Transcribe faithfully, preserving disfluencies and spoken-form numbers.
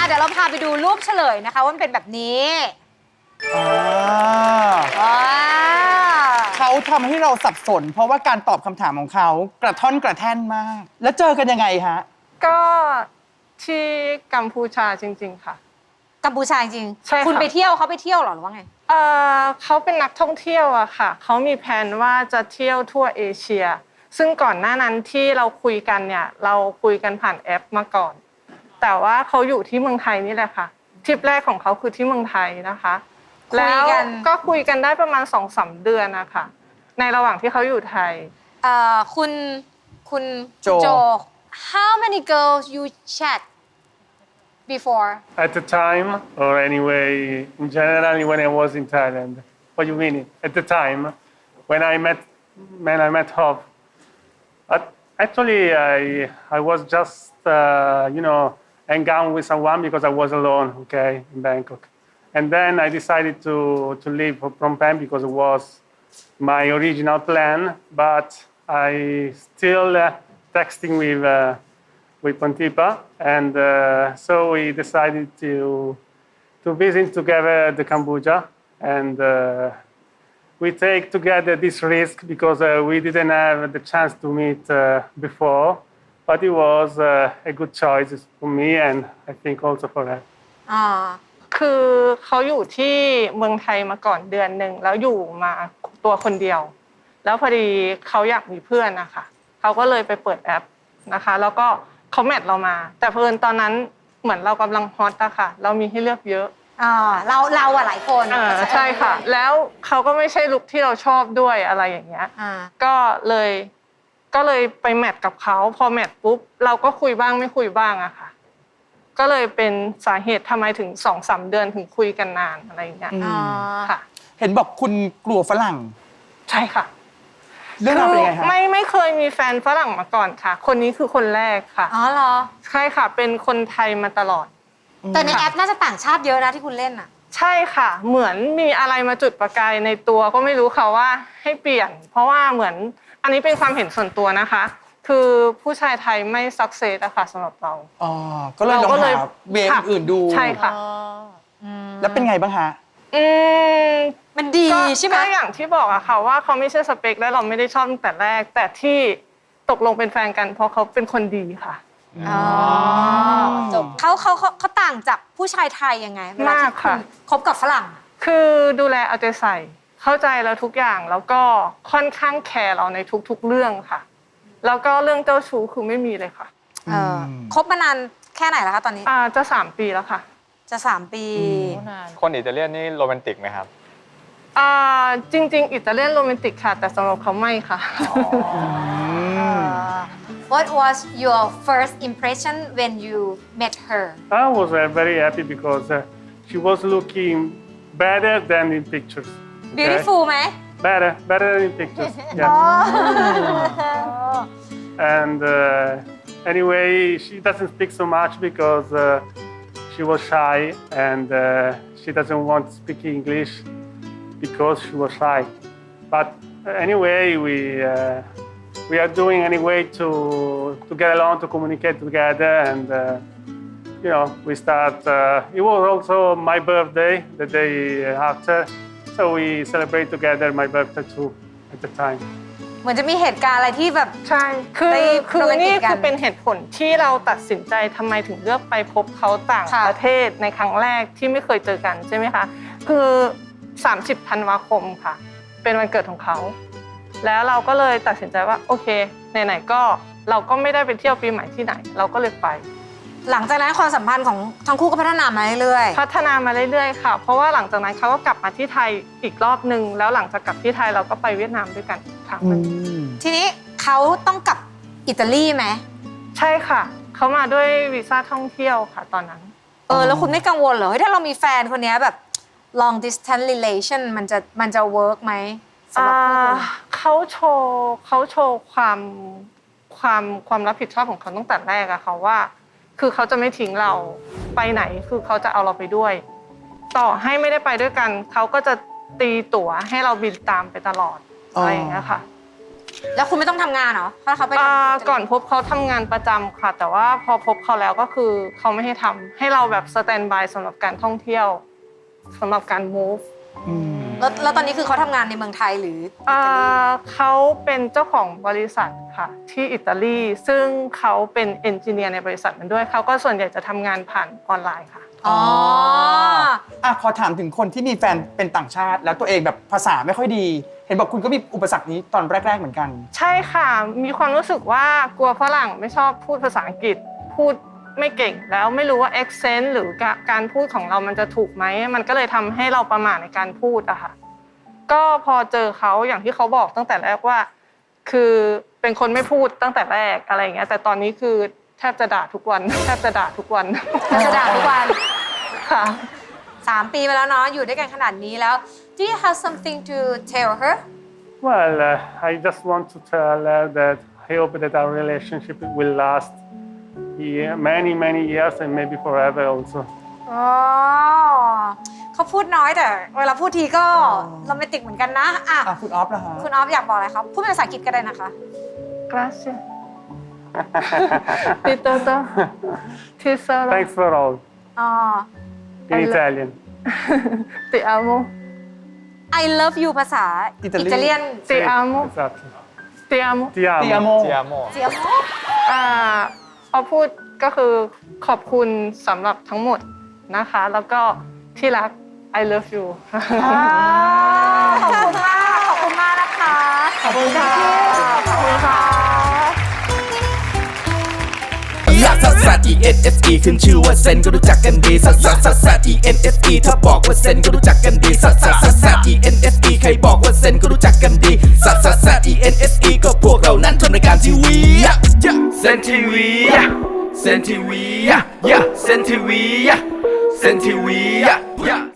เดี๋ยวเราพาไปดูรูปเฉลยนะคะว่ามันเป็นแบบนี้อ่าว้าเขาทำให้เราสับสน เพราะว่าการตอบคำถามของเขากระท่อนกระแท่นมาก แล้วเจอกันยังไงฮะก็ที่กัมพูชาจริงๆค่ะกัมพูชาจริงใช่ค่ะคุณไปเที่ยวเขาไปเที่ยวเหรอหรือว่าไงเอ่อเขาเป็นนักท่องเที่ยวอะค่ะเขามีแผนว่าจะเที่ยวทั่วเอเชีย ซึ่งก่อนหน้านั้นที่เราคุยกันเนี่ยเราคุยกันผ่านแอปมาก่อน แต่ว่าเขาอยู่ที่เมืองไทยนี่แหละค่ะทริปแรกของเขาคือที่เมืองไทยนะคะคุยแล้วกันก็คุยกันได้ประมาณ สองสาม เดือนนะคะในระหว่างที่เขาอยู่ไทยเอ่อคุณคุณโจโจ how many girls you chat before At the time, or anyway, in general, when I was in Thailand. What do you mean? At the time, when I met, when I met Hope, but actually, I I was just uh, you know hang out with someone because I was alone, okay, in Bangkok, and then I decided to to leave Phnom Penh because it was my original plan, but I still uh, texting with. Uh, with Pontipa, and uh, so we decided to to visit together the Cambodia, and uh, we take together this risk because uh, we didn't have the chance to meet uh, before, but it was uh, a good choice for me and I think also for her. อ่าคือเขาอยู่ที่เมืองไทยมาก่อนเดือนหนึ่งแล้วอยู่มาตัวคนเดียว แล้วพอดีเขาอยากมีเพื่อนนะคะเขาก็เลยไปเปิดแอปนะคะแล้วก็เขาแมทเรามา แต่เพิ่นตอนนั้นเหมือนเรากำลังฮอตอะค่ะเรามีให้เลือกเยอะอ่าเราเราอะหลายคนอ่าใช่ค่ะ แล้วเขาก็ไม่ใช่ลุคที่เราชอบด้วยอะไรอย่างเงี้ยอ่าก็เลยก็เลยไปแมทกับเขาพอแมทปุ๊บเราก็คุยบ้างไม่คุยบ้างอะค่ะก็เลยเป็นสาเหตุทำไมถึงสองสามเดือนถึงคุยกันนานอะไรอย่างเงี้ยอ่าค่ะเห็นบอกคุณกลัวฝรั่งใช่ค่ะเรื่องราวเป็นยังไงฮะไม่ไม่เคยมีแฟนฝรั่งมาก่อนค่ะ คนนี้คือคนแรกค่ะอ๋อเหรอใช่ค่ะเป็นคนไทยมาตลอดแต่ในแอปน่าจะต่างชาติเยอะนะที่คุณเล่นอะใช่ค่ะ เหมือนมีอะไรมาจุดประกายในตัวก็ไม่รู้ค่ะว่าให้เปลี่ยน เพราะว่าเหมือนอันนี้เป็นความเห็นส่วนตัวนะคะ คือผู้ชายไทยไม่สักเซสอะค่ะสำหรับเราอ๋อ ก็เลยลองหาเวย์ค่ะอื่นๆดูใช่ค่ะแล้วเป็นไงบ้างฮะอืมมันดีก็ใช่ไหมก็อย่างที่บอกอะค่ะว่าเขาไม่ใช่สเปคและเราไม่ได้ชอบตั้งแต่แรก แต่ที่ตกลงเป็นแฟนกัน เพราะเขาเป็นคนดีค่ะอ๋อจบเขาเขาเขาเขาต่างจากผู้ชายไทยยังไงเวลาที่มากค่ะณคบกับฝรั่งคือดูแลเอาใจใส่ เข้าใจเราทุกอย่างแล้วก็ค่อนข้างแคร์เราในทุกๆเรื่องค่ะ แล้วก็เรื่องเจ้าชู้คือไม่มีเลยค่ะเออคบมานานแค่ไหนแล้วคะตอนนี้อ่าจะสามปีแล้วค่ะจะสามปีคนอิตาเลียนนี่โรแมนติกไหมครับอ่าจริง ๆ อิตาเลียนโรแมนติกค่ะ แต่สำหรับเขาไม่ค่ะ What was your first impression when you met her I was uh, very happy because uh, she was looking better than in pictures. okay? beautiful ไหม Better, better than in pictures. Yes. And uh, anyway, she doesn't speak so much because uh, she was shy and uh, she doesn't want to speak English because she was shy. But anyway, we uh, we are doing anyway to to get along, to communicate together, and uh, you know, we start. Uh, it was also my birthday the day after, so we celebrate together my birthday too at the time. เหมือนจะมีเหตุการณ์อะไรที่แบบใช่ คือไปคือโรแมนตินี่กกันคือเป็นเหตุผลที่เราตัดสินใจทำไมถึงเลือกไปพบเขาต่างค่ะประเทศในครั้งแรกที่ไม่เคยเจอกันใช่ไหมคะ คือสามสิบธันวาคมค่ะ เป็นวันเกิดของเขา แล้วเราก็เลยตัดสินใจว่าโอเคไหนๆก็เราก็ไม่ได้ไปเที่ยวปีใหม่ที่ไหน เราก็เลยไปหลังจากนั้นความสัมพันธ์ของทั้งคู่ก็พัฒนามาเรื่อยพัฒนามาเรื่อยๆค่ะ เพราะว่าหลังจากนั้นเขาก็กลับมาที่ไทยอีกรอบนึง แล้วหลังจากกลับที่ไทยเราก็ไปเวียดนามด้วยกันอีกครั้งหนึ่งๆ ทีนี้เขาต้องกลับอิตาลีไหมใช่ค่ะ เขามาด้วยวีซ่าท่องเที่ยวค่ะตอนนั้นเออแล้วคุณไม่กังวลเหรอเฮ้ยถ้าเรามีแฟนคนเนี้ยแบบ long distance relation มันจะมันจะ work ไหมสำหรับคู่คุณอ่าเขาโชว์เขาโชว์ความความความรับผิดชอบของเขาตั้งแต่แรกอะค่ะว่า คือเขาจะไม่ทิ้งเราไปไหนคือเขาจะเอาเราไปด้วย ต่อให้ไม่ได้ไปด้วยกัน เขาก็จะตีตั๋วให้เราบินตามไปตลอดอะไรอย่างเงี้ยค่ะแล้วคุณไม่ต้องทำงานเหรอถ้าเขาไปอ่าทำก่อนพบเขาทำงานประจำค่ะ แต่ว่าพอพบเขาแล้วก็คือเขาไม่ให้ทำให้เราแบบสแตนบายสำหรับการท่องเที่ยวสำหรับการ move อืมแล้วแล้วตอนนี้คือเขาทำงานในเมืองไทยหรืออิอ่ตาลีาเขาเป็นเจ้าของบริษัทค่ะที่อิตาลีซึ่งเขาเป็นเอนจิเนียร์ในบริษัทนั้นด้วยเขาก็ส่วนใหญ่จะทำงานผ่านออนไลน์ค่ะอ๋ออ่ะขอถามถึงคนที่มีแฟนเป็นต่างชาติ แล้วตัวเองแบบภาษาไม่ค่อยดี เห็นบอกคุณก็มีอุปสรรคนี้ตอนแรก ๆเหมือนกันใช่ค่ะ มีความรู้สึกว่ากลัวฝรั่งไม่ชอบพูดภาษาอังกฤษ พูดไม่เก่งแล้วไม่รู้ว่า accent หรือกะการพูดของเรามันจะถูกไหม มันก็เลยทำให้เราประมาทในการพูดอะค่ะ ก็พอเจอเขาอย่างที่เขาบอกตั้งแต่แรกว่า คือเป็นคนไม่พูดตั้งแต่แรกอะไรอย่างเงี้ย แต่ตอนนี้คือแทบจะด่าทุกวัน แทบจะด่าทุกวันจะด่าทุกวันค่ะสามปีมาแล้วเนาะอยู่ด้วยกันขนาดนี้แล้ว Do you have something to tell her Well, uh, I just want to tell her that I hope that our relationship will last yeah, many, many years and maybe forever also. อ๋อเขาพูดน้อยแต่เวลาพูดทีก็โรแมนติกเหมือนกันนะอ่ะอ่ะคุณออฟนะฮะคุณออฟอยากบอกอะไรครับพูดเป็นภาษาอังกฤษก็ได้นะคะ grazie di tutto tesoro Thanks for all อ๋อ in Italian. ti amo I love you ภาษาอิตาลีอิตาเลียน ti amo Esatto. ti amo Ti amo. เตียโมเจียโมเจียมอ่าเอาพูดก็คือขอบคุณสำหรับทั้งหมดนะคะ แล้วก็ที่รัก I love you ขอบคุณมาก ขอบคุณมากนะคะขอบคุณค่ะ ขอบคุณค่ะลักซัสซัส E N S E ขึ้นชื่อว่าเซนก็รู้จักกันดีซัสซัสซัสซัส E N S E ถ้าบอกว่าเซนก็รู้จักกันดีซัสซัสซัสซัส E N S E ใครบอกว่าเซนก็รู้จักกันดีซัสซัสซัส E N S E ก็พวกเรานั้นทำรายการทีวีเซนทีวีเซนทีวีเซนทีวีเซนทีวี